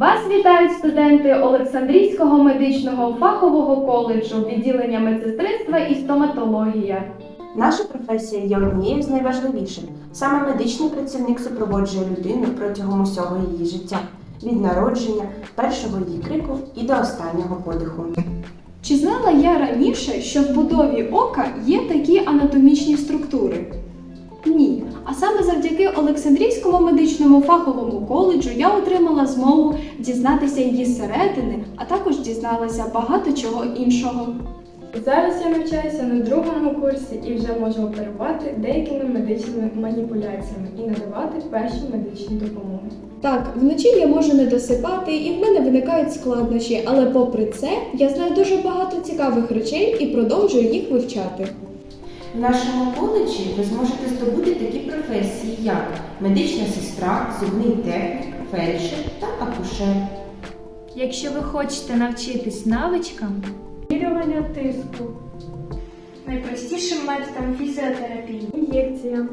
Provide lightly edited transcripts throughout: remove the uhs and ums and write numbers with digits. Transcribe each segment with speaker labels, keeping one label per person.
Speaker 1: Вас вітають студенти Олександрійського медичного фахового коледжу, відділення медсестринства і стоматологія.
Speaker 2: Наша професія є однією з найважливіших. Саме медичний працівник супроводжує людину протягом усього її життя, від народження, першого її крику і до останнього подиху.
Speaker 3: Чи знала я раніше, що в будові ока є такі анатомічні структури? Ні. А саме завдяки Олександрійському медичному фаховому коледжу я отримала змогу дізнатися її зсередини, а також дізналася багато чого іншого.
Speaker 4: Зараз я навчаюся на другому курсі і вже можу оперувати деякими медичними маніпуляціями і надавати першу медичну допомогу.
Speaker 3: Так, вночі я можу не досипати і в мене виникають складнощі, але попри це я знаю дуже багато цікавих речей і продовжую їх вивчати.
Speaker 2: В нашому коледжі ви зможете здобути такі професії, як медична сестра, зубний технік, фельдшер та акушер.
Speaker 5: Якщо ви хочете навчитись навичкам,
Speaker 4: Вимірювання тиску,
Speaker 5: найпростішим методом фізіотерапії,
Speaker 4: ін'єкціям,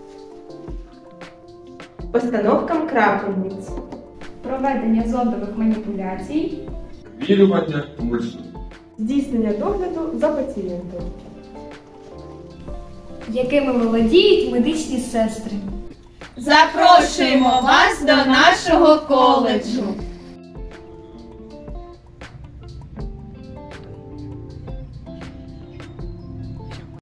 Speaker 2: Постановкам крапельниць,
Speaker 1: Проведення зондових маніпуляцій,
Speaker 6: Вмірювання пульсу.
Speaker 4: здійснення догляду за пацієнтом.
Speaker 5: якими володіють медичні сестри.
Speaker 7: Запрошуємо вас до нашого коледжу!